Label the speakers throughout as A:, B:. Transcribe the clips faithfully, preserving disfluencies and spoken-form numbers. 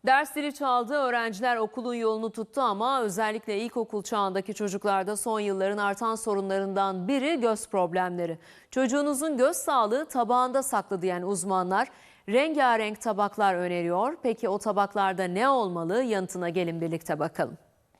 A: Ders zili çaldı, öğrenciler okulun yolunu tuttu ama özellikle ilkokul çağındaki çocuklarda son yılların artan sorunlarından biri göz problemleri. Çocuğunuzun göz sağlığı tabağında saklı diyen uzmanlar rengarenk tabaklar öneriyor. Peki o tabaklarda ne olmalı? Yanıtına gelin birlikte bakalım.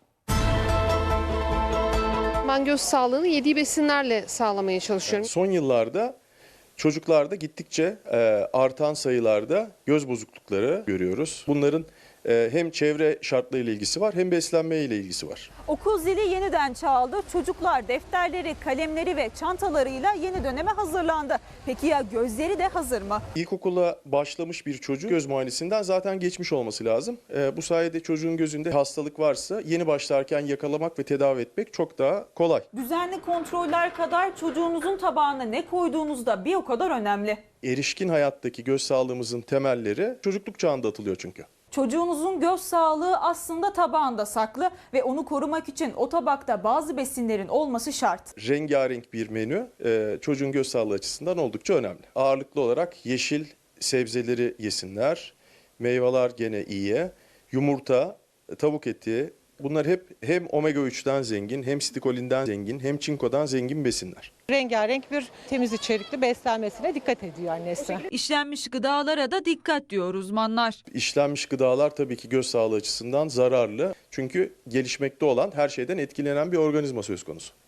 B: Ben göz sağlığını yediği besinlerle sağlamaya çalışıyorum.
C: Son yıllarda çocuklarda gittikçe e, artan sayılarda göz bozuklukları görüyoruz. Bunların e, hem çevre şartlarıyla ilgisi var hem beslenme ile ilgisi var.
D: Okul zili yeniden çaldı. Çocuklar defterleri, kalemleri ve çantalarıyla yeni döneme hazırlandı. Peki ya gözleri de hazır mı?
C: İlkokula başlamış bir çocuğun göz muayenesinden zaten geçmiş olması lazım. E, bu sayede çocuğun gözünde hastalık varsa yeni başlarken yakalamak ve tedavi etmek çok daha kolay.
D: Düzenli kontroller kadar çocuğunuzun tabağına ne koyduğunuz da bir o kadar önemli.
C: Erişkin hayattaki göz sağlığımızın temelleri çocukluk çağında atılıyor çünkü.
D: Çocuğunuzun göz sağlığı aslında tabağında saklı ve onu korumak için o tabakta bazı besinlerin olması şart.
C: Rengarenk bir menü e, çocuğun göz sağlığı açısından oldukça önemli. Ağırlıklı olarak yeşil sebzeleri yesinler, meyveler gene iyi, yumurta, tavuk eti, bunlar hep hem omega üçten zengin, hem stikolinden zengin, hem çinkodan zengin besinler.
E: Rengarenk bir temiz içerikli beslenmesine dikkat ediyor annesi.
D: İşlenmiş gıdalara da dikkat diyor uzmanlar.
C: İşlenmiş gıdalar tabii ki göz sağlığı açısından zararlı. Çünkü gelişmekte olan her şeyden etkilenen bir organizma söz konusu.